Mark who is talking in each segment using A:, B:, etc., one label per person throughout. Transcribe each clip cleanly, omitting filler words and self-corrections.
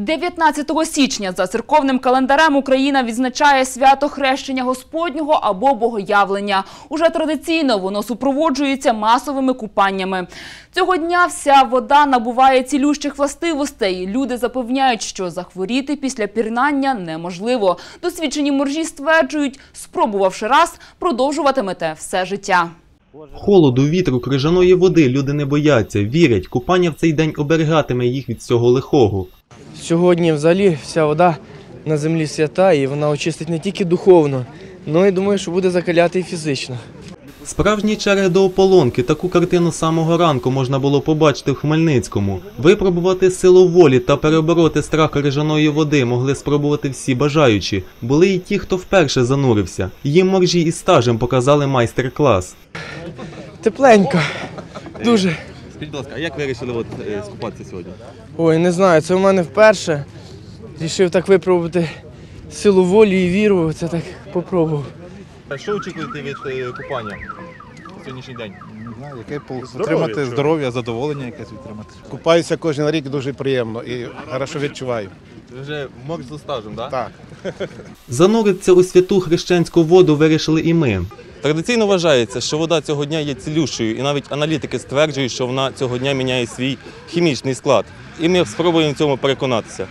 A: 19 січня за церковним календарем Україна відзначає свято Хрещення Господнього або Богоявлення. Уже традиційно воно супроводжується масовими купаннями. Цього дня вся вода набуває цілющих властивостей. Люди запевняють, що захворіти після пірнання неможливо. Досвідчені моржі стверджують, спробувавши раз, продовжуватимете все життя.
B: Холоду, вітру, крижаної води люди не бояться, вірять, купання в цей день оберігатиме їх від всього лихого.
C: Сьогодні взагалі вся вода на землі свята і вона очистить не тільки духовно, але й думаю, що буде закаляти і фізично.
B: Справжні черги до ополонки, таку картину з самого ранку можна було побачити в Хмельницькому. Випробувати силу волі та перебороти страх крижаної води могли спробувати всі бажаючі. Були і ті, хто вперше занурився. Їм моржі із стажем показали майстер-клас.
C: Тепленько, дуже.
B: Скажіть, будь ласка, а як ви вирішили скупатися сьогодні?
C: Ой, не знаю, це в мене вперше. Рішив так випробувати силу волі і віру, це так попробував.
B: Що очікуєте від купання сьогоднішній день?
D: Не знаю, отримати здоров'я, задоволення якесь отримати.
E: Купаюся кожен рік, дуже приємно і хорошо відчуваю.
B: Ви вже морж зі стажем, так?
E: Так.
B: Зануритися у святу хрещенську воду вирішили і ми. Традиційно вважається, що вода цього дня є цілющою, і навіть аналітики стверджують, що вона цього дня міняє свій хімічний склад. І ми спробуємо в цьому переконатися.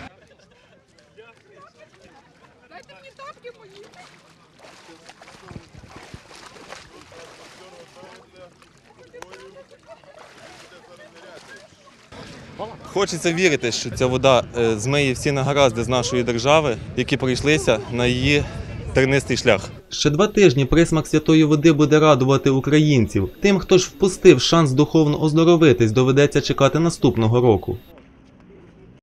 B: Хочеться вірити, що ця вода змиє всі негаразди з нашої держави, які прийшлися на її тернистий шлях. Ще 2 тижні присмак святої води буде радувати українців. Тим, хто ж впустив шанс духовно оздоровитись, доведеться чекати наступного року.